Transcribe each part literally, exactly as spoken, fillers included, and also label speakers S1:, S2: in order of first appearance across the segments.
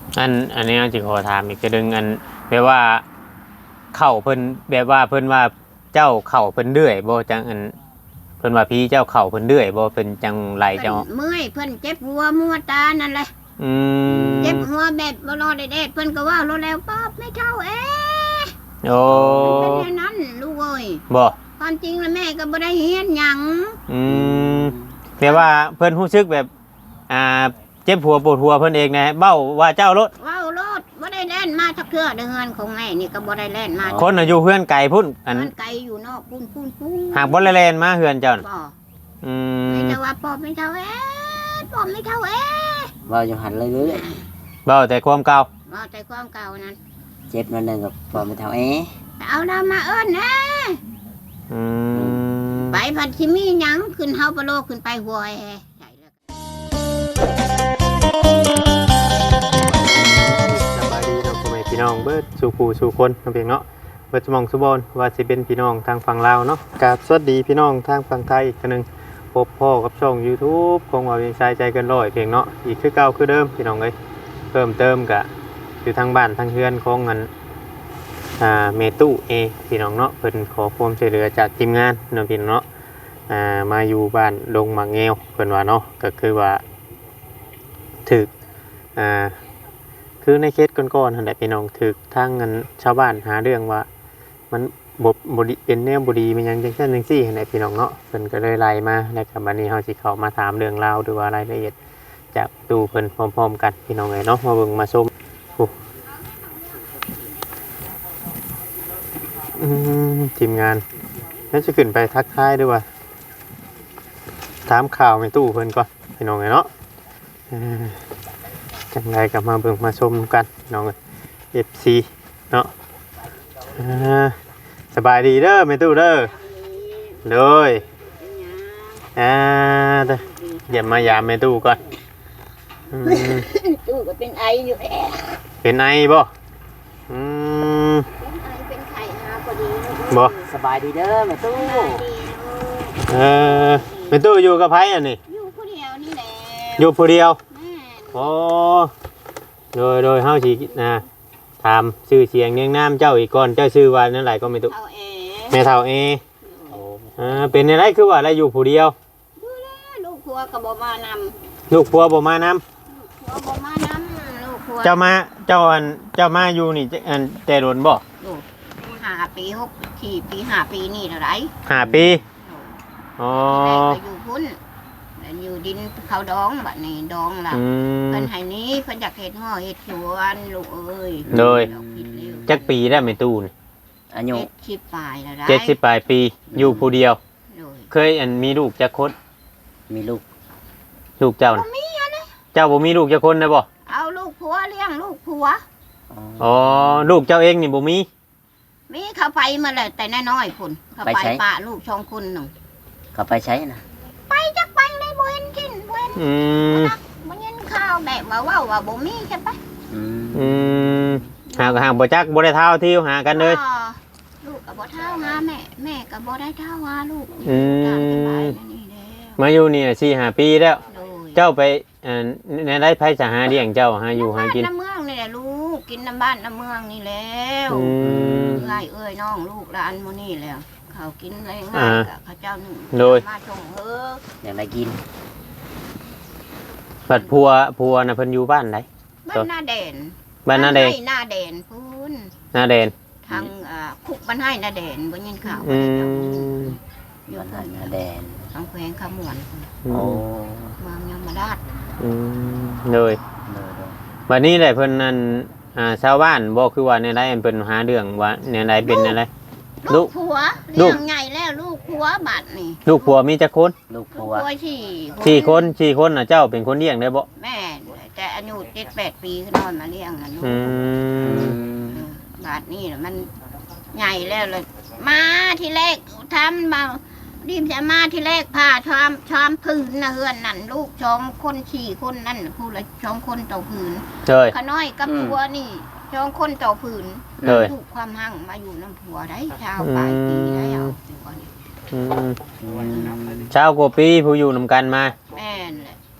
S1: อันอันนี้จิขอถามอีกจะดึงอันแบบว่าเข่าเพิ่นแบบว่าเพิ่นว่าเจ้าเข่าเพิ่นเดือยบ่จังอันเพิ่นว่าพี่เจ้าเข่าเพิ่นเดือยบ่เป็นจังไรเจ้า
S2: เมื่อยเพิ่นเจ็บหัวมัวตานั่นแหละ
S1: อืม
S2: เจ็บหัวแบบบ่รอได้เด็ดเพิ่นก็ว่ารถแล้วป๊อบไม่เท่าเอ๊ะ
S1: โอ้
S2: เป็นอย่างนั้นลูกเอ้ย
S1: บ่
S2: ความจริงแล้วแม่ก็บ่ได้เฮียนหยัง
S1: อืมแปลว่าเพิ่นรู้สึกแบบอ่าเจ็บหัวปวดหัวเพิ่นเองนะเบ้าว่าเจ้ารถ
S2: ว้าวรถบ่ได้แล่นมาทักเทื่อเดือนของแม่นี่ก็บ่ได้แล่นมา
S1: คนน่ะอยู่เฮือนไกลพุ่นอัน
S2: ไกลอยู่นอกพุ่นพุ่นพุ่น
S1: หากบ่ได้แล่นมาเฮือนเจ้าน่ะ
S2: บ่
S1: อืม
S2: ไม่แต่ว่าปอบไม่เท่าเอ๊ะปอบไม่เท่าเอ๊ะ
S3: เว้าอยู่หันเลยเด้อ
S1: เบ้าแต่ความเก่า
S2: เว้าแต่ความเก่านั้น
S3: เจ็บนั่นนึงกับบ่ไม่เท่าเอ๊ะ
S2: เอาดามาเอิ้นนะ
S1: อืม
S2: ไปพัดสิมีหยังขึ้นเฮาปะโลขึ้นไปหัวแอใช่แล้ว
S1: สบายดีเนาะพ่อแม่พี่น้องเบิดสู่ผู้สู่คนเพียงเนาะเบิดสมองสุบอนว่าสิเป็นพี่น้องทางฝั่งลาวเนาะกราบสวัสดีพี่น้องทางฝั่งไทยอีกครั้งนึงพบพ่อกับช่อง YouTube ของว่าเวียงชายใจเกินร้อยเพียงเนาะอีกคือเก่าคือเดิมพี่น้องเอ้ยเพิ่มเติมกะอยู่ทางบ้านทางเฮือนของเงินอ่าเมตู้เอพี่น้องเนาะเพิ่นขอความช่วยเหลือจากทีมงานเนาะพี่น้องเนาะอ่ามาอยู่บ้านดงหมากแงวเพิ่นว่าเนาะก็คือว่าถึกอ่าคือในเคสก่อนๆนั่นแหละพี่น้องถึกทางเงินชาวบ้านหาเรื่องว่ามันบ่บ่ดีเป็นแนวบ่ดีมันยังจังซั่นจังซี่นั่นแหละพี่น้องเนาะเพิ่นก็เลยไล่มาแล้วก็บัดนี้เฮาสิเข้ามาถามเรื่องราวหรือว่ารายละเอียดจากตู้เพิ่นพร้อมๆกันพี่น้องเอ้ยเนาะมาเบิ่งมาชมอืมทีมงานแล้วจะขึ้นไปทักทายด้วยว่าถามข่าวในตู้เพิ่นก่อนพี่น้องไงเนาะจังไรกลับมาเบิ่งมาชมกันน้องเอฟซีเนาะสบายดีเด้อในตู้เด้อเลยอ่าเด้อเดี๋ยวมายามในตู้ก่อน
S2: ตู้ก็เป็นไออยู่แอะ
S1: เป็นไอบ่อืมบ่
S3: สบายดีเด้อแม่ตู้
S1: เออแม่ตู้อยู่กับไผอันนี้
S2: อยู่ผู้เดียวนี่แหละ
S1: อยู่ผู้เดียวโอ้โดยโดยเฮาสินะถามชื่อเสียงเรียงนามเจ้าอีกก่อนเจ้าชื่อว่านั่นไหลก็แม่ตู้แม่เฒ่าเอโอ้อ่าเป็นอะไรคือว่าอะไรอยู่ผู้เดียว
S2: อยู่แล้วลูกผัวก็บ่มานำ
S1: ลูกผัวบ่มานำ
S2: ผัวบ่มานำลูกผัว
S1: เจ้ามาเจ้าอันเจ้ามาอยู่นี่อันแต่โดนบ่
S2: ห้าปีหกสี่ปีห้าปีนี่เท่าไหร่
S1: ห้าปีอ๋อ
S2: อยู่พุ่นอยู่ดินเขาดองบัดนี้ดองล่ะเพิ่นให้นี้เพิ่นอยากเฮ็ดห่อเฮ็ดสวนลูกเอ้ย
S1: โดยจักปีได้แม่ตู้นี่
S3: อายุ
S2: เจ็ดสิบปลายแล้วได้
S1: เจ็ดสิบปลายปีอยู่ผู้เดียวเคยอันมีลูกจักคน
S3: มีลูก
S1: ลูกเจ้าน่ะ
S2: บ่มีอันนี้
S1: เจ้าบ่มีลูกจักคนได้บ่
S2: เอาลูกผัวเลี้ยงลูกผัว
S1: อ๋อลูกเจ้าเองนี่บ่มี
S2: มีเขาไปมาแล้วแต่น้อยๆพุ่นเขาไปป้าลูกสองคนหนึ่ง
S3: เขาไปใช้น่ะ
S2: ไปจักไปเลยบ่เห็นกินบ่เห็น
S1: อืม
S2: บ่เห็นข้าวแบบว่าว้าว่าบ่มีใช่ปะ
S3: อืม
S1: อืมหาหาบ่จักบ่ได้เท่าที่หากันเลย
S2: ลูกก็บ่เท่าหาแม่แม่ก็บ่ได้เท่าหาลูก
S1: อืมมาอยู่นี่สี่ห้าปีแล้วเจ้าไปอ่าในไร่ไผสหาเลี้ยงเจ้าหาอยู่หากิน
S2: น้ำเมืองนี่แหละลูกกินน้ำบ้านน้ำเมืองนี่แล้ว
S1: อืม
S2: เอ้ยเอ้ยน้องลูกหลานมื้อนี้แล้วเขากินอะไรง่ายกับเขาเจ้าหนึ่งมาชงเฮ้อ
S3: อย่างไรกิน
S1: บัดพัวพัวน่ะเพิ่นอยู่บ้านไหน
S2: บ้านหน้าแดน
S1: บ้านหน้าแดน
S2: หน้าแดนพูน
S1: หน้าแดน
S2: ทางคุกบ้านให้หน้าแดนบ่ยินข่าว
S3: อยู่บ้านหน้าแดน
S2: ทางแขวงขมวน
S3: โอ้
S2: เมืองยมราช
S1: อืมเลยบัดนี้แหละเพิ่นนั่นอ่าชาวบ้านบ่คือว่าในไรเพิ่นหาเรื่องว่าในไรเป็นอะไร
S2: ลูกผัวเลี้ยงใหญ่แล้วลูกผัวบัดนี่
S1: ลูกผัวมีจักคน
S3: ลูกผัว
S2: สี่
S1: สี่คนสี่คนน่ะเจ้าเป็นคนเลี้ยงได้บ่
S2: แม่แต่อายุเจ็ดแปดปีนอนมาเลี้ยงน่ะลูกบัดนี่มันใหญ่แล้วเลยมาที่แรกทำมารีบจะมาที่แรกพาชอมชอมพื้นนะเฮือนนั่นลูกชอมคนสี่คนนั่นผู้ละชอมคนต่อพื้นขน้อยกับผัวนี่ชอมคนต่อพื้นลูกความหั่งมาอยู่น้ำผัวได้ชาวปลายปีได้เอา
S1: ชาวกว่าปีผู้อยู่นำกันมา
S2: แม่นแหละ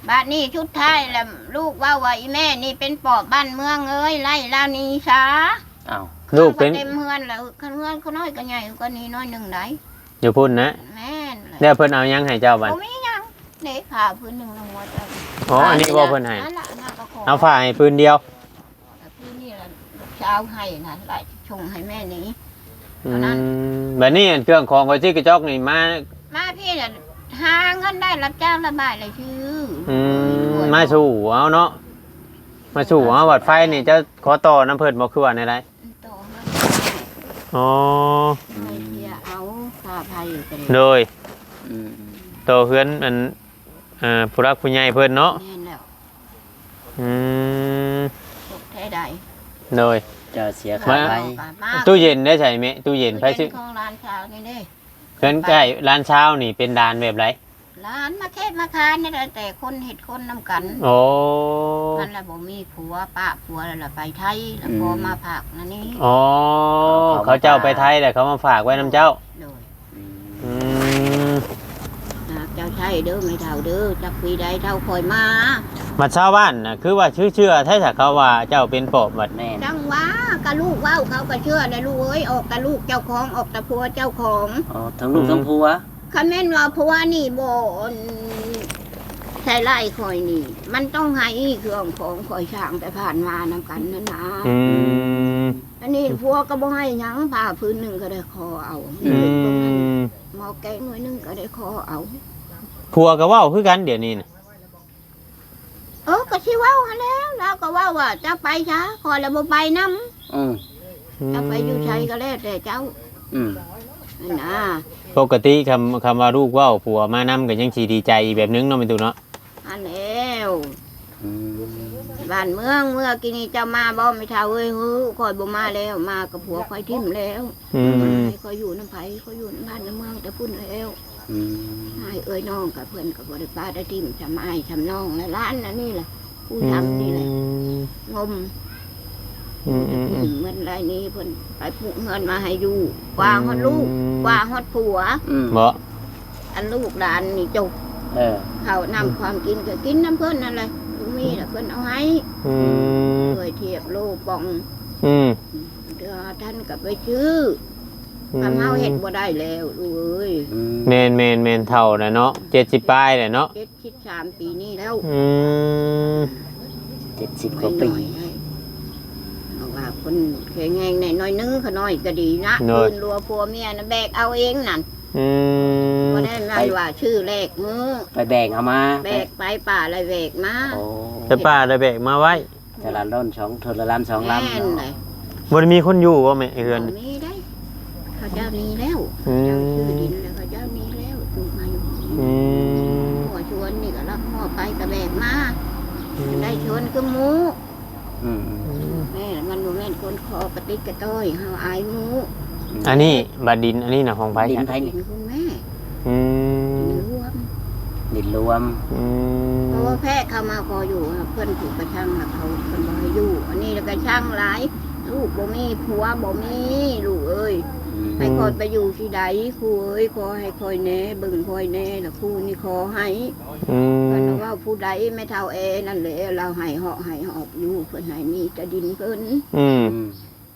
S2: บ้านนี้ชุดท้ายแล้วลูกว่าว่าอีแม่นี่เป็นปอบบ้านเมืองเอ้ยไล่ลาวนี้ซะ
S3: อ้าว
S1: ลูกเป็น
S2: เต็มเฮือนแล้วคันเฮือนเขาน้อยก็ใหญ่ก็นี้น้อยหนึงได้
S1: อยู่พุ่นนะ
S2: แม่นเลย
S1: แล้วเพิ่นเอายังให้เจ้าบัด
S2: บ่มีหยังเด็กผ่าพื้นหนึงลงมาจ้ะ
S1: อ๋ออันนี้บ่เพิ่นให้
S2: นั่นล่ะน่าก็ขอ
S1: เอาฝ่ายปืนเดียว
S2: แต่พื้นนี่ล่ะลูกสาวให้นะไล่ชงให้แม่นี้
S1: อืมบัดนี้เครื่องของก็สิกระจอกนี่มา
S2: มาพี่น่ะหาเงินได้รับจ้างระบายเลยชื่อ
S1: อืมมาสู่เอาเนาะมาสู่เอาบัดไฟนี่เจะขอต่อน้ำเพิ่นบ่คือว่าในไร
S2: ต่อมา
S1: อ๋อ
S2: ให้เพียเอาค่าภัยก็ได้
S1: โดย
S3: อืม
S1: ต่อเฮือนอันเอ่อผู้รักผู้ใหญ่เพิ่นเนาะ
S2: แม่นแล้ว
S1: อืม
S2: ตกแท้ใด
S1: โดย
S3: เจะเสียค่าไฟ
S2: มา
S1: ตู้เย็นได้ใช่ไหมตู้เย็นไผสิ
S2: ตู้เย็นของร้านชาวนี่เด้
S1: เฮือนใกล้ร้านเช้านี่เป็นดานแบบไร
S2: ร้านมาแค่มาคานนี่แหละแต่คนเห็ดคนนำกัน
S1: โอ้
S2: นั่นแหละบ่มีผัวป้าผัวแล้วล่ะไปไทยแล้วพอมาผักนั่นนี่
S1: อ๋อเขาเจ้าไปไทยแต่เขามาฝากไว้น้ำเจ้า
S2: โดย
S3: อืม
S1: อืม
S2: หากเจ้าใช่เด้อไม่เท่าเด้อจักปีใดเท่าคอยมา
S1: มาชาวบ้านน่ะคือว่าชื่อเชื่อถ้าเขาว่าเจ้าเป็นปอบบัด
S3: แม่น
S2: จังว่ากะลูกเว้าเขาก็เชื่อเลยลูกเอ้ยออกกะลูกเจ้าของออกตะผัวเจ้าของ
S3: อ๋อทั้งลูกทั้งผัว
S2: คันแม่นว่าผัวนี่บ่ใช่ไล่คอยนี่ มันต้องให้เครื่องของคอยช่างไปผ่านมานำกันนั่นนะ
S1: อืม
S2: อันนี้ผัวก็บ่ให้หยังผ่าพื้นหนึ่งก็ได้คอเอา
S1: อืม
S2: หมอแกงหน่วยหนึงก็ได้คอเอา
S1: ผัวก็เว้าคือกันเดี๋ยวนี้น่ะ
S2: เออก็สิเว้าหั่นแล้วแล้วก็เว่าว่าจะไปช้าคอยแล้วบ่ไปนำ
S3: อืม
S2: จะไปอยู่ไสก็แล้วแต่เจ้า
S3: อืม
S2: นั่นนะ
S1: ปกติคำคำว่าลูกเว้าผัวมานํก็ยังสิดีใจอีกแบบนึงเนาะแม่ตู่เนาะ
S2: อันแล้ว
S3: อืม
S2: บ้านเมืองเมื่อกี้นี้เจ้ามาบ่ไม่เท่าเอ้ยฮู้คอยบ่มาแล้วมากับผัวคอยทิ่มแล้ว
S1: อืม
S2: ให้คอยอยู่น้ำไผคอยอยู่น้ำบ้านน้ำเมืองแต่พุ่นแล้ว
S3: อืม
S2: ให้เอ้ยน้องกับเพิ่นกับบ่ได้ป้าได้ทิ่มจำอ้ายจำน้องและร้านนั่นนี่แหละผู้ทำนี่แหละงม
S1: อืมอืมอืม
S2: เหมือนไรนี้เพิ่นไปปลูกเงินมาให้อยู่กว่าฮอดลูกกว่าฮอดผัว
S3: อืม
S1: บ่
S2: อันลูกหลานนี่จก
S3: เออ
S2: เขานำความกินก็กินน้ำเพิ่นนั่นแหละลูกมีแหละเพิ่นเอาให้
S1: อืม
S2: เคยเทียบโลกป่อง
S1: อืม
S2: เดือท่านก็ไปชื่อทำเฮาเฮ็ดบ่ได้แล้วลูกเอ้ย
S3: อืม
S1: แมนแมนแมนเท่าน่ะเนาะเจ็ดสิบปลายแหละเนาะ
S2: เจ็ดสิบสามปีนี้แล้ว
S1: อืม
S3: เจ็ดสิบก
S2: ไม่
S3: ว่า
S2: น้
S3: ปี
S2: อยให้เอาว่าคนแข็งแรงในน้อยนึงเขาน้อยก็ดีนะคืนรัวผัวเมียนะแบกเอาเองนั่น
S1: อืม
S2: บ่ได้มาว่าชื่อแรกมือ
S3: ไปแบกเอามา
S2: แบกไปป่าอะไรแบกมา
S3: โอ้
S1: แต่ป้าได้แบกมาไว้
S3: แต่ละร่อนสองเทอละลำสอง
S2: แม่
S3: ลำ
S2: น
S3: เนาะ
S2: เลย
S1: บ่ได้มีคนอยู่ว่าแม่เฮือน
S2: บ่มีได้ เขาเจ้านี้แล้ว
S1: อืม
S2: เจ้าชื่อดินแล้วเขาเจ้านี้แล้วถูกมาอยู่
S1: อืม
S2: หัวชวนนี่ก็รับห่อไปกระแบกมาได้ชวนคือหมู
S3: อืม
S2: แม่มันบ่แม่นคนคอกระติกกระต้อยเฮาอายหมู
S1: อันนี้บาดินอันนี้น่ะของไผ
S3: ดิน
S1: ค่ะ
S3: ไทย
S2: เป็
S3: นี่
S2: นคุณแม่
S1: อืม
S2: ดินรวม
S3: ดินรวม
S1: อื
S2: เพ
S1: ม
S2: ราะว่าแพะเข้ามาพออยู่เพื่อนถูกกระช่างแล้วเขาเพิ่นบ่ให้อยู่ อันนี้แล้วกระช่างหลาย ลูกบ่มีผัวบ่มีลูกเอ้ย
S3: อืม
S2: ให้คอยไปอยู่ที่ใดครูเอ้ยขอให้คอยแหน่เบิ่งคอยแหน่แล้วครูนี่ขอให้
S1: อื
S2: เพิ่น
S1: ม
S2: ว่าผู้ใดไม่เท่าเอนั่นแหละเราให้เหาะให้หอบอยู่เพิ่นให้มีแต่ดินเพิ่น
S1: อืม
S3: อืม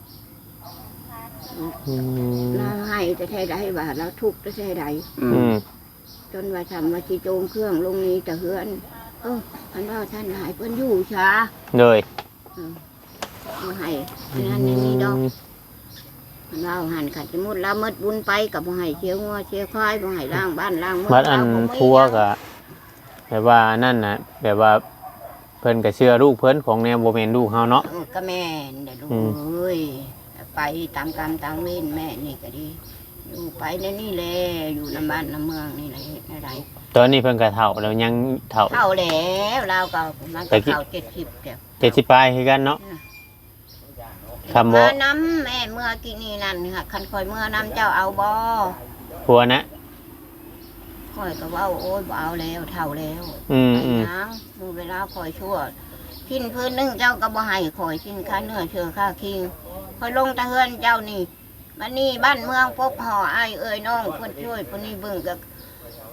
S1: อืม
S2: เราให้แต่แท้ใดว่าเราทุกข์แต่แท้ใด
S3: อื
S1: อื
S3: ม
S1: ม
S2: จนว่าทำว่าสิโจมเครื่องลงนี้แต่เฮือน เออพันว่าท่านหายเพิ่นอยู่ช้า
S1: เลย
S2: บ่ให้อันนั้นอันนี้ดอกเราหันขัดสมุดเราเมดบุญไปกับบ่ให้เชียวงัวเชียวควายบ่ให้ล้างบ้านล้างเมื
S1: บัดอัน
S2: เราบ่มี
S1: พัวก็แบบว่านั่นน่ะแบบว่าเพิ่นก็เชื่อลูกเพิ่นของแนวบ่แม่นลูกเฮาเนาะ
S2: เออก็แม่นเด้อลูก
S1: อืม
S2: เอ้ยไปตามกรรมตามเวรแม่นี่ก็ดี อยู่ไปในนี่แหละอยู่ในบ้านในเมืองนี่แหละอะไร
S1: ตอนนี้เพิ่นก็เฒ่าแล้วยังเฒ่า
S2: เท่าแล้วเราก็มัน
S1: แต่
S2: ก็
S1: กี่
S2: เท่าเจ็ดสิบเดียว
S1: เจ็ดสิบปลายคือกันเนาะคำบ่
S2: มาน้ำแม่เมื่อกี้นี่นั่นค่ะคันคอยเมื่อน้ำเจ้าเอาบ่
S1: พัวนะ
S2: คอยก็เว่าโอ้ยบ่เอาแล้วเท่าแล้ว
S1: อืม
S2: ไอ้
S1: อืม
S2: นางมือเวลาคอยชั่วกินพื้นหนึงเจ้าก็บ่ให้คอยกินค่าเนื้อเชื่อค่าคิงคอยลงตะเฮือนเจ้านี่มันนี่บ้านเมืองพกห่อไอ้ายเอ้ยน้องเพิ่นช่วยเพิ่นนี่เบิ่งก็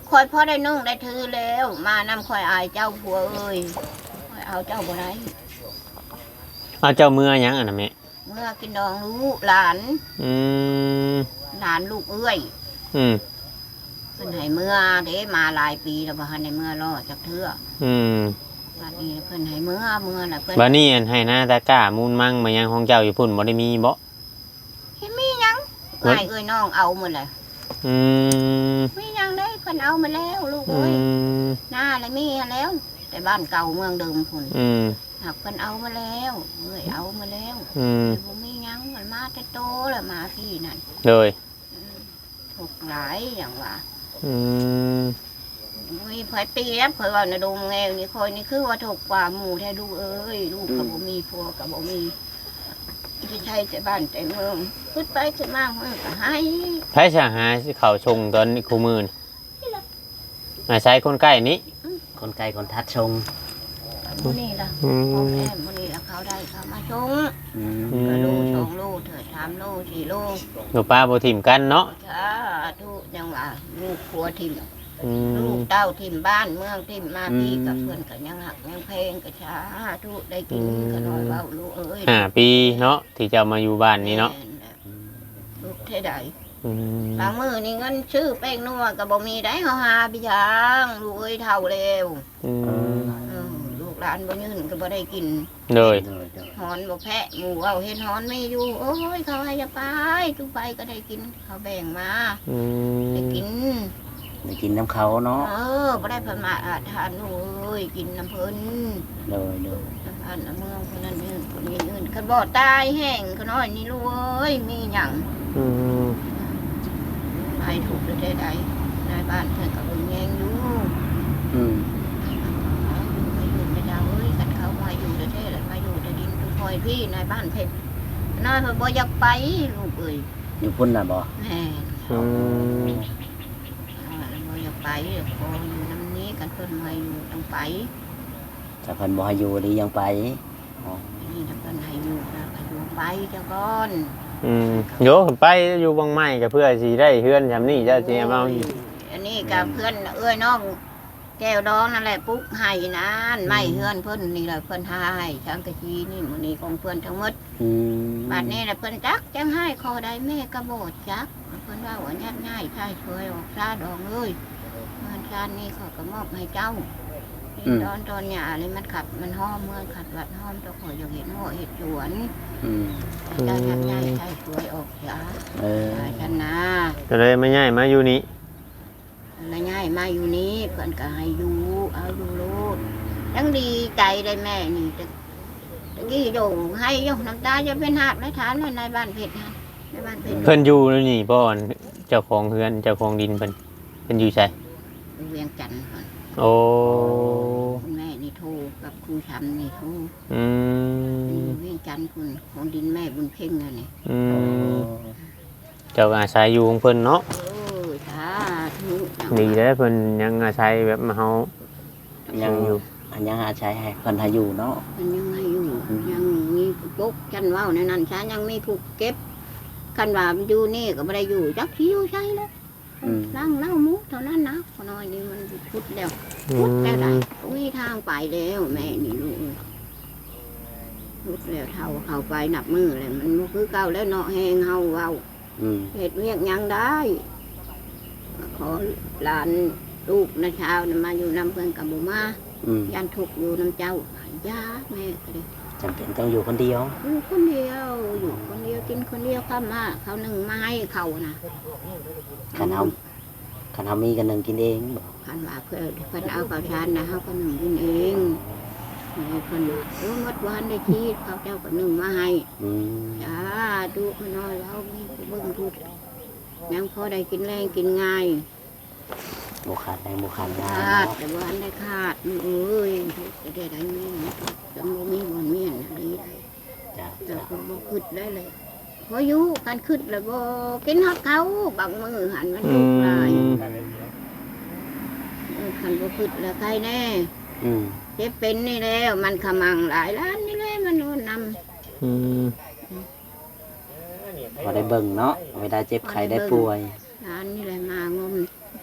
S2: คอยพ่อได้นึ่งได้ถือแล้ว มานำคอยอายเจ้าผัวเอ้ยคอยเอาเจ้าบ่ได้
S1: เอาเจ้าเมื่อหยังอันน่ะแม่
S2: เมื่อกินดองลูกหลาน
S1: อืม
S2: หลานลูกเอ้ย
S1: อืม
S2: เพิ่นให้เมื่อเด้มาหลายปีแล้วบ่ทันได้เมื่อรอจักเทื่อ
S1: อืม
S2: บัดนี้เพิ่นให้เมื่อเมื่อน่ะเพิ่น
S1: บัดนี้อันให้หน้าตะกร้ามูลมั่งมายังของเจ้าอยู่พุ่นบ่ได้มีบ่
S2: เฮ็ดมีหยัง
S1: เพิ่น
S2: อ้ายเอ้ยน้องเอาหมดเลย
S1: อืม
S2: มีหยังได้เพิ่นเอามาแล้วลูก
S1: อื
S2: เอ้ย
S1: ม
S2: หน้าแล้วมีแล้ว แต่บ้านเก่าเมืองเดิมพุ่น
S1: อืม
S2: หักเพิ่นเอามาแล้วเอ้ยเอามาแล้ว
S1: อืม
S2: บ่มีหยังมันมาแต่โตแล้วมาพี่นั่น
S1: เลย
S2: อืมถูกหลายอย่างว่า
S1: อืม
S2: มีเผยตีแล้วเผยว่าในะดงแงวนี่คอยนี่คือว่าถูกกว่าหมู่แท้ลูกเอ้ยลูกกับบ่มีผัวกับบ่มีที่ใช่แต่บ้านแต่เมืองขึ้นไปขึ้นมาเพิ่นก็ให้
S1: ไผสิหาสิเข้าชงตอนนี้คู่มื้อนี่อาศัยคนใกล้นี้
S3: คนไกลคนทัดชง
S2: มื้อนี้ล่ะ
S1: อื
S2: พ่อ
S1: ม
S2: แม่มื้อนี้ล่ะเขาได้เขามาชง
S3: อืม
S1: อื
S2: กระโล
S1: ม
S2: สองโลเถิดสามโลสี่โล
S1: ลูกป้าบ่ทิ่มกันเนาะ
S2: สาธุยังว่าลูกผัวทิ่ม
S1: อื
S2: ลู
S1: ม
S2: กเต้าทิ่มบ้านเมืองทิ่มมาพี่กับเพื่อนก็ยังหักยังเพลงก็สาธุได้กินก็น้อยเว้าลูกเอ้ย
S1: ห้าปีเนาะที่เจ้ามาอยู่บ้านนี้เนาะ
S2: ลูกเท่าใด
S1: อืม
S2: บางมือนี่เงินซื้อแป้งนัวก็บ่มีได้เฮาหาพี่ช้างลูกเอ้ยเท่าเร็ว
S1: อืม
S2: เออลูกหลานบ่ยืนก็บ่ได้กิน
S1: เลย
S3: โดยโดย
S2: หอนบ่แพะหมู่เอาเฮ็ดหอนไม่อยู่โอ้ยเขาให้จะไปทุกไปก็ได้กินเขาแบ่งมา
S1: อืม
S2: ได้กิน
S3: ได้กินน้ำเขาเนาะ
S2: เออบ่ได้เพิ่นมาอาทานลูกเอ้ยกินน้ำเพิ่น
S3: โดยโดย
S2: น้ำพันน้ำเมืองคนนั้นนี่คนนี้อื่นคันบ่ตายแห้งก็น้อยนี่ลูกเอ้ยมีหยัง
S1: อืม
S2: ไปถูกหรือได้ใดนายบ้านเพิ่นก็เบิ่งแยงอยู่
S3: อืม
S2: มาอยู่ไม่ได้เอ้ยกันเขามาอยู่ประเทศแล้วมาอยู่ในดินทุกคอยพี่นายบ้านเพชรน้อยเพิ่นบ่อยากไปลูกเอ้ย
S3: อยู่พุ่นน่ะบ่
S2: แม่
S1: อืม
S2: อ่าบ่อยากไปขออยู่น้ำนี้กันเพิ่นมาอยู่ต้องไป
S3: ถ้าเพิ่นบ่ให้อยู่ดียังไปอ๋อ
S2: นี่ถ้าเพิ่นให้อยู่นะก็อยู่ไปเจ้าก่อน
S1: อืมโยไปอยู่บางไม้ก็เพื่อสิได้เฮือนจำนี่เจ้าสิเอามาอยู่
S2: อันนี้กับเพื่อนเอ้ยน้องแก้วดองนั่นแหละปุ๊กให้นะไม่เฮือนเพิ่นนี่แหละเพิ่นให้ช่างกะชีนี่หมื้นี้ของเพิ่นทั้งหมด
S3: อืม
S2: บัดนี้แหละเพิ่นจักจังให้ขอได้แม่ก็บ่จักเพิ่นว่าว่าญาติง่ายใช่ช่วยออกซาดองเลยเงินชาตินี้เขาก็มอบให้เจ้านี่ตอนตอนหญ้าเลยมันขัดมันหอมเมืองขัดวัดหอมเจ้าขอยอยากเห็นหัวเห็ดสวน
S3: อืม
S2: เจ้าญาติง่ายใช่ช่วยออกจ้า
S3: เออ
S2: ฉันนะ
S1: ก็เลยไม่ง่ายมาอยู่นี่
S2: แล้วง่ายมาอยู่นี้เพิ่นก็ให้อยู่เอาอยู่โลดยังดีใจได้แม่นี่ตะตะกี้โยงให้โยงน้ำตาจะเป็นหาบและฐานเลยในบ้านเพชรฮะในบ้านเพชร
S1: เพิ่นอยู่นี่บ่อนเจ้าของเฮือนเจ้าของดินเพิ่นเพิ่นอยู่ไส
S2: เวียงจันทร์ก่อน
S1: โอ้
S2: คุณแม่นี่โทรกับครูชำนี่โทร
S1: อืม
S2: เวียงจันทร์คุณของดินแม่บุญเพ่งน่ะนี่
S1: อื
S3: โอ้
S1: มเจ้าก็อาศัยอยู่ของเพิ่นเนาะ
S2: โอ้ยสาธุ
S1: ดีแล้วเพิ่นยังอาศัยแบบมาเฮา
S3: ยังอยู่อันยังหาใช้ให้เพิ่นให้อยู่เนาะ
S2: มันยังให้อยู่ยังมีปุ๊กจันเว้าในนั้นฉันยังมีผูกเก็บคันว่ามันอยู่นี่ก็ไม่ได้อยู่จักที่อยู่ใช่แล้ว
S3: อืม
S2: นั่งเล่ามุกเท่านั้นนะขน้อยนี่มันพุดแล้ว
S1: อื
S2: พุด
S1: ม
S2: แล้วได้อุ้ยทางไปแล้วแม่นี่ลูกพุดแล้วเท่าเข้าไปหนับมือเลยมันบ่คือเก่าแล้วเนาะแหงเฮาเว้า
S3: อืม
S2: เห็ดเวียกหยังได้ ขอหลานลูกนะเช้านะมาอยู่นำเพื่อนกับบุมา
S3: อืม
S2: ยันทุกข์อยู่น้ำเจ้าย่าแม่ก็เลย
S3: จำเป็นต้องอยู่คนเดียว
S2: อยู่คนเดียวอยู่คนเดียวกินคนเดียวข้ามมาเขาหนึ่งไม้เขานะ
S3: คันเฮาคันเฮามีกันหนึงกินเองบ่
S2: พันว่าเพื่อเพื่อนเอาข้าวชานนะเขาก็หนึ่งกินเองแม่เพื่อนว่าเออหมดวันได้ชีดเขาเจ้าก็หนึ่งมาให้
S3: อืม
S2: จ้าดูขน้อยแล้วมีผู้เบิ่งทุกยังพอได้กินแรงกินง่าย
S3: บ่ขาดแรงบ่ขาดงา
S2: ขาด
S3: น
S2: แต่วันได้ขาดนี่เอ้ยจะได้ได้แม่จังบ่มีบ่เมียนอะไรได้
S3: จ้ะ
S2: แต่
S3: จ้ะ
S2: ผมบ่ขึ้นได้เลยพออยู่การขึ้นแล้วบ่กินฮักเขาบางมือหันมัน
S1: อื
S2: ลูกหลาย
S1: ม
S2: เออคันบ่ขึ้นแล้วใครแน่
S3: อืม
S2: เจ็บเป็นนี่แล้วมันขมังหลายล้านนี่แหละมันโน่นนำ
S1: อืม
S3: พอได้เบิ่งเนาะเวลาเจ็บไข้ได้ป่วย
S2: ล้านนี่แหละมางม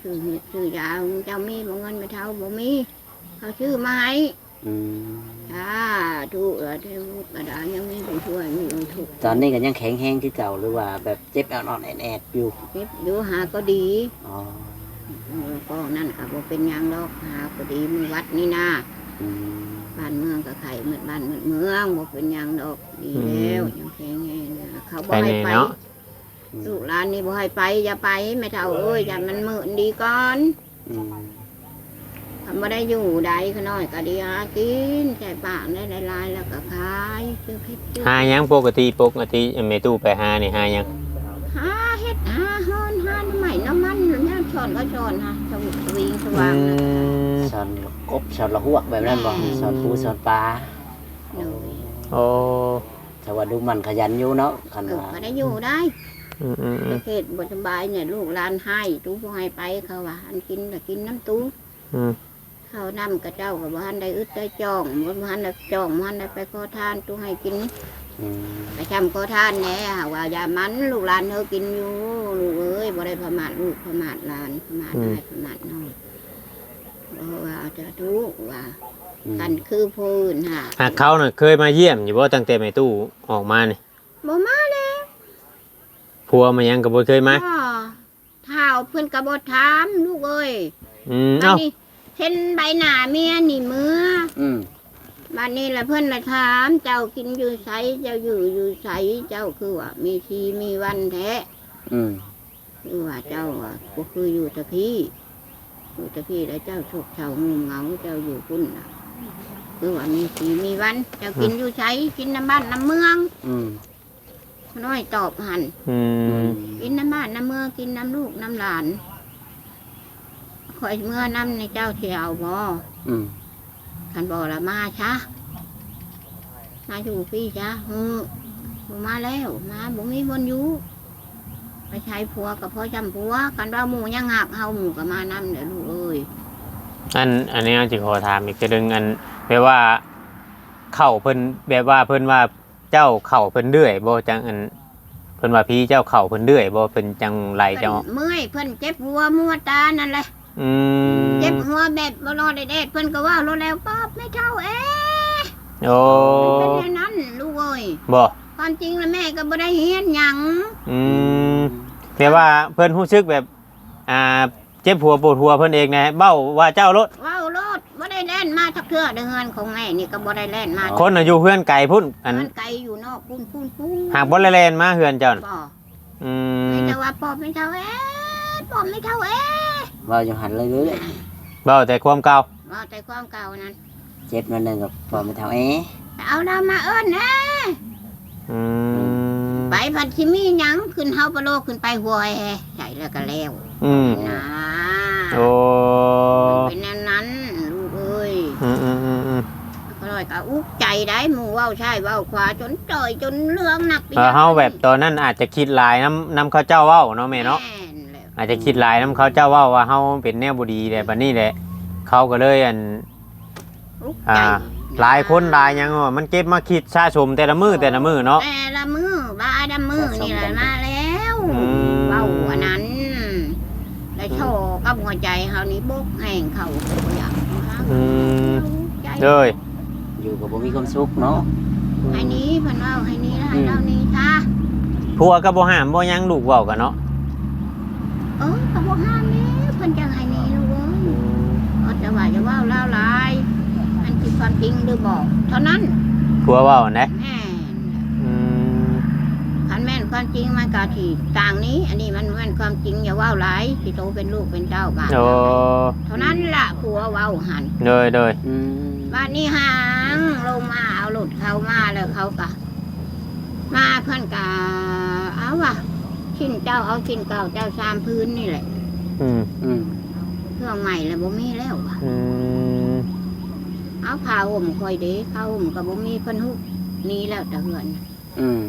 S2: ชื่อเห็ดชื่อยาเจ้ามีบ่เงินไม่เท่าบ่มีเขาชื่อมาให้
S3: อืม
S2: จ้าถูกเออเทวุกระดาษยังมีผู้ช่วยมีผู้ถูก
S3: ตอนนี้ก็ยังแข็งแรงคือเก่าหรือว่าแบบเจ็บอ่อนๆแอดๆอยู่
S2: เก็บอยู่หาก็ดี
S3: อ๋อ
S2: เออก็นั่นก็บ่เป็นหยังดอกหาก็ดีมือวัดนี่นะ
S3: อืม
S2: บ้านเมืองก็ไข่เหมือนบ้านเหมือนเมืองบ่เป็นหยังดอกดีแล้วยังแข็งแรงนะเขาบ่
S1: ไป
S2: ให้
S1: นี่
S2: ไป
S1: เนาะ
S2: ลูกหลานนี่บ่ให้ไปอย่าไปไม่เท่าเอ้ยอย่ามันมืดดีก่อน
S3: อืม
S2: ทำบ่ได้อยู่ใดขน้อยก็ดีหากินใส่ปากได้หลายๆแล้วก็ขายซื้อเพชรซื้อ
S1: หาหยังปกติปกติแม่ตู้ไปหานี่หาหยัง
S2: หาเฮ็ดหาฮอนหาน้ำใหม่น้ำมันเนี่ยช้อนก็ช้อนฮะสวิงสวิงส
S1: อื
S2: ว่างนะ
S1: ม
S3: สอนกบสอนละหวกแบบนั้นบ่
S2: อืม
S3: สอนปูสอนปลา
S2: หนู
S1: โอ้
S3: แต่ว่าดูมันขยันอยู่เนาะคัน
S2: เออ
S3: ว่า
S2: ก็ได้อยู่ได้
S1: อืมอืมอืม
S2: เขตบสบายเนี่ยลูกหลานให้ตู้ผู้ให้ไปเขาว่าอันกินก็กินน้ำตู้
S1: อืม
S2: เขานำกระเจ้ากับบ้านได้อึดได้จ้องบ้านได้จ้องบ้านได้ไปขอทานตู้ให้กิน
S3: อืม
S2: ไปทำขอทานแหน่หาว่าอย่ามันลูกหลานเธอกินอยู่ลูกเอ้ยบ่ได้ประมาทลูกประมาทหลานประมาทนายประมาทน้องเพราะว่าเอาจะทุกว่า
S3: อืม
S2: กันคือพูนฮะ
S1: หากเขาน่ะเคยมาเยี่ยมอยู่บ่ตั้งแต่แม่ตู้ออกมานี่
S2: บ่มาเลย
S1: ผัวมายังก็บ่เคยมา
S2: พ่อเท้าเพื่อนกระบดถามลูกเอ้ย
S1: อืม
S2: บัด
S1: เอ้า
S2: นี้เห็นใบหน้าเมียนี่มือ
S3: อืม
S2: บัดนี้ละเพื่อนละถามเจ้ากินอยู่ไสเจ้าอยู่อยู่ไสเจ้าคือว่ามีทีมีวันแท้
S3: อืม
S2: คือว่าเจ้าอ่ะก็คืออยู่แตะพี่อยู่แตะพี่แล้วเจ้าโชคเจ้างูเหงาเจ้าอยู่พุ่นน่ะคือว่ามีทีมีวัน เจ้ากินอยู่ไสกินน้ำบ้านน้ำเมือง
S3: อืม
S2: น้อยตอบหัน
S1: อื
S3: อื
S1: ม
S3: ม
S2: กินน้ำบ้านน้ำเมืองกินน้ำลูกน้ำหลานคอยเมื่อน้ำในเจ้าเที่ยวบ่
S3: อืม
S2: คันบอกละมาช้ามาอยู่พี่ช้าเออบ่มาแล้วมาบ่มีบนอยู่ไปใช้ผัวกับพ่อจำผัวกันว่าหมูยังหักเฮาหมูกับมานำเดี๋ยวลูกเอ้ย
S1: อันอันนี้จิขอถามอีกทีหนึงอันแปลว่าเข้าเพิ่นแบบว่าเพิ่นว่าเจ้าเข้าเพิ่นเรื่อยบ่จังอันเพิ่นว่าพี่เจ้าเข้าเพิ่นเรื่อยบ่เพิ่นจังไรเจ้า
S2: เพิ่นเมื่อยเพิ่นเจ็บหัวมัวตานั่นแหละ
S1: อืม
S2: เจ็บหัวแบบบ่รอได้เด็ดเพิ่นก็ว่ารู้แล้วป๊อบไม่เท่าเอ๊ะ
S1: โอ้
S2: เป็นอย่างนั้นลูกเอ้ย
S1: บ่
S2: ความจริงแล้วแม่ก็บ่ได้เฮียนหยัง
S1: อืมแปลว่าเพิ่นรู้สึกแบบอ่าเจ็บหัวปวดหัวเพิ่นเองนะเบ้าว่าเจ้ารถ
S2: ว้าวรถบ่ได้แล่นมาทักเทื่อเดือนของแม่นี่ก็บ่ได้แล่นมา
S1: คนน่ะอยู่เพื่อนไกลพุ่นอัน
S2: มันไกลอยู่นอกปุ้นปุ้นปุ้น
S1: หากบ่ได้แลนมาเฮือนเจ้าน่ะ
S2: บ่
S1: อืม
S2: ไม่แต่ว่าปอบไม่เท่าเอ๊ะปอบไม่เท่าเอ๊ะ
S3: ว่าอยู่หันเลยเลย
S1: เบ้าแต่ความเก่า
S2: ว่าแต่ความเก่านั้น
S3: เจ็บนั่นนึงกับพอไม่เท่าเอ๊ะ
S2: เอาดาวมาเอิ้นนะ
S1: อืม
S2: ไปพันชิมีหยังขึ้นเฮาปะโลกขึ้นไปหัวแฮใส่แล้วก็แล้ว
S1: อืม
S2: นะ
S1: โอ้
S2: มันเป็นแนวนั้นลูกเอ้ย
S1: อืมอืมอืมอืม
S2: ก็เลยก็อุกใจได้หมู่เว้าใช่เว้าขวาจนจ่อยจนเรื่องหนักไป
S1: เออเฮาแบบตอนนั้นอาจจะคิดหลายน้ำน้ำเขาเจ้าเว้าเนาะแม่เนาะ
S2: แม่นแหละ
S1: อาจจะคิดหลายน้ำเขาเจ้าเว้าว่าเฮาเป็นแนวบ่ดีแหละบัดนี้แหละเขาก็เลยอัน
S2: อุก
S1: อ่า
S2: ใจ
S1: หลายคนหลายหยังว่ามันเก็บมาคิดสะสมแต่ละมือแต่ละมือเนาะ
S2: แต่ละมือบาดมือนี่แหละมาแล้ว
S1: อืม
S2: เว้าอันนั้นแล้วโชว์กับหัวใจเฮานี่บกแห้งเขาบ่อยากหา
S1: อืม
S2: ใจ
S1: เลย
S3: อยู่กับบ่มีความสุขเนาะ
S2: ให้หนี้เพิ่นเว้าให้หนี้ให้เรานี่ค่ะ
S1: ผัวก็บ่ห้ามบ่หยังลูกเว้ากันเนาะ
S2: เออก็บ่ห้ามนี่เพิ่นจังให้หนี้ลูกเอ้ยเออแต่ว่าจะเว้าลาวหลายอันที่ความจริงหรือบอกเท่านั้น
S1: ผัวเว้าอันใด
S2: แม่น
S1: อืม
S2: คันแม่นความจริงมันก็ที่ต่างนี้ อันนี้มันแม่นความจริงอย่าเว้าหลายสิโตเป็นลูกเป็นเจ้าบ้าน
S1: โอ้
S2: เท่านั้นล่ะผัวเว้าหัน
S1: เลยเลย
S3: อืม
S2: บ้านนี้หางลงมาเอาหลุดเข้ามาแล้วเขาก็มาเพิ่นก็เอาว่ะชิ้นเจ้าเอาชิ้นเก่าเจ้าสามพื้นนี่แหละ
S1: อืม
S3: อืม
S2: เครื่องใหม่แล้วบ่มีแล้วว่ะ
S1: อืม
S2: เอาผ้าห่มคอยเด้ผ้าห่มกับบ่มีเพิ่นฮุบหนี้แล้วแต่เหือน
S3: อืม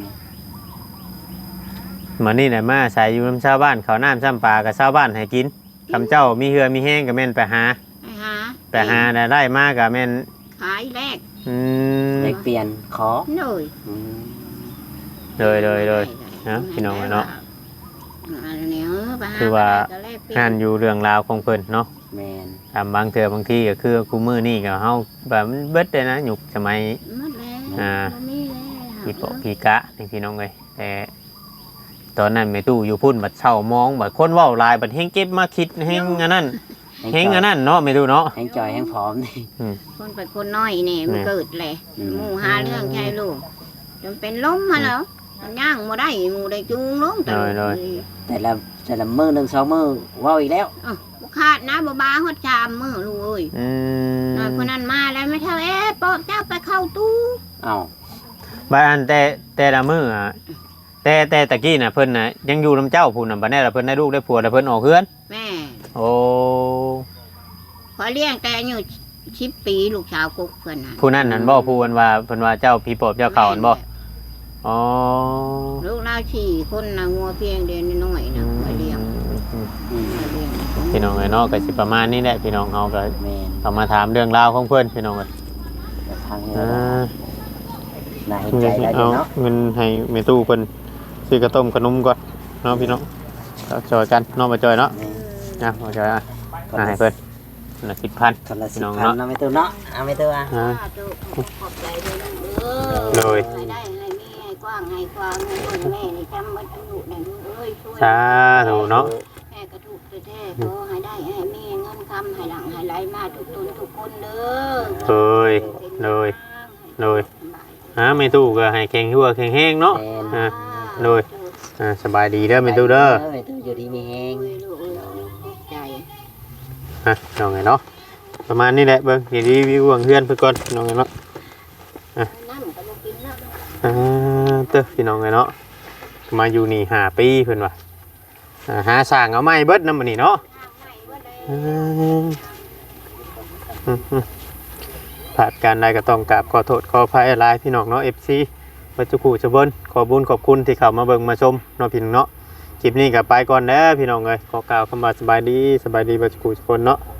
S1: มื้อนี้น่ะมาใส่อยู่นํชาวบ้านเขาวน้ำซ้ำปลากับชาวบ้านให้กินคำเจ้ามีเหือมีแห้งก็แม่นไปหา
S2: ไปหา
S1: ไปหาได้ได้มาก็แม่น
S2: ขายแรก
S1: อืม
S3: ได้เปลี่ยนขอ
S2: เลย
S3: อืม
S1: เลยเลยเลย นะพี่น้องเนาะ
S2: อันนี้เออไปหา
S1: คือว่า
S2: ก็แลกเปลี่ย
S1: นั่นอยู่เรื่องราวของเพิ่นเนาะ
S3: แมน
S1: ตามบางเทื่อบางทีก็คือคู่มือนี่ก็เฮาแบบมันเบิดเลยนะยุคสมัย
S2: หมดแล้ว
S1: อ่า
S2: บ่มีแล้ว
S1: พี่ปอพี่กะนี่พี่น้องเอ้ยแต่ตอนนั้นแม่ตู้อยู่พุ่นบัดเช่ามองบัดคนเว้าหลายบัดเฮงเก็บมาคิดเฮงอันนั้นเฮงอันนั้นเนาะแม่ตู้เนาะ
S3: แห้งจอยแห้งพร้อมนี่
S2: คนไปคนน้อยนี่มัน
S1: แม่
S2: เกิดแหละ
S3: อืม
S2: หมู่หาเรื่องใช่ลูกจนเป็นล้มมาแล้วมันย่างบ่ได้หมู่ได้จูงลงแต่
S1: น้อย
S3: แต่ละแต่ละมือหนึ่งสองมือเว้าอีกแล้ว
S2: อ้าวบ่ขาดนะบ่บาฮอดชามมื้อลูกเอ้ย
S1: อืม
S2: น้อยคนนั้นมาแล้วไม่เท่าเอ๊ะปอกเจ้าไปเข้าตู้
S3: เอ้า
S1: บาอันแต่แต่ละมื้ออะแต่แต่ตะกี้น่ะเพิ่นน่ะยังอยู่นํเจ้าพุ่นน่ะบัดนี้ล่ะเพิ่นได้ลูกได้ผัวแล้วเพิ่นออกเฮือน
S2: แม่
S1: โอ้
S2: ขอเลี้ยงแต่อายุสิบปีลูกสาวกุกเพิ่นน่ะ
S1: ผู้นั้นนั่นบ่ผู้เพิ่นว่าเพิ่นว่าเจ้าพี่ปอบเจ้าเขาอันบ่อ๋อ
S2: ลูกเราสี่คนน่ะงัวเพียงเดือนน้อยๆน่ะขอเลี้ยง
S3: อืม
S2: ขอเลี้ยง
S1: พี่น้องเอ้ยเนาะก็สิประมาณนี้แหละพี่น้องเฮาก็
S3: แมน
S1: เอามาถามเรื่องราวของเพิ่นพี่น้องเอ้ย
S3: แต่ทางนี้
S1: อ่า
S3: น่าเห็นใจได้อยู่
S1: เอา
S3: เนาะ
S1: เงินให้แม่ตู้เพิ่นซื้อกระต้มขนมก่อนเนาะพี่น้องเอาจอยกันเนาะมาจอยเนาะ
S3: แม่น
S1: นะมาจอยอ่ะ
S3: คน
S1: อ่ะ
S3: ละ
S1: ให้เพิ่นคนละสิบพัน
S3: คนละสิ
S1: พี่
S3: บ
S1: น้อง
S3: พัน
S1: เนาะ
S3: เนาะไม่ตัวเนาะเอาไม่ตัวอ่ะ
S1: อ่า
S2: สาธุขอบใจด้วยนะเออ
S1: โดย
S2: ให้ได้ให้มีให้กว้างให้กว้างให้คนแม่นี่จำมันอายุได้ลูกเอ้ยช่วย
S1: สาธุเนาะ
S2: แม่กระทุกแท้ๆขอให้ได้ให้มีเงินคำให้หลังให้ไหลมาทุกตนทุกคนเด้อ
S1: โดยโดยโดยฮะแม่ตู้ก็ให้แข็งหัวแข็งแห้งเนาะ
S3: แมน
S1: อ่าโดย อ่าสบายดีเด้อแม่ตู้เด้อ
S3: แม่ตู้อยู่ดีมีแฮง
S2: โอ้ยลูกเอ้ยใจ
S1: ฮะน้องไงเนาะประมาณนี้แหละเบิ่งเดี๋ยวรีวิวเบิ่งเพื่อนเพิ่นก่อนน้องไงเนาะ
S2: น้ำก็บ่กินแล้ว
S1: อ่าเต้อพี่น้องไงเนาะมาอยู่นี่ห้าปีเพิ่นว่าอ่าหาสร้างเอาไม้เบิดนำมื้อนี้เนาะ อืมอืมอืมผ่านการใดก็ต้องกราบขอโทษขออภัยหลายพี่น้องเนาะ เอฟ ซี ปัจจุบันจะเบิ้นขอบุญขอบคุณที่เข้ามาเบิ่งมาชมเนาะพี่น้องเนาะคลิปนี้ก็ไปก่อนเด้อพี่น้องเอ้ยขอกล่าวคำว่าสบายดีสบายดีปัจจุบันทุกคนเนาะ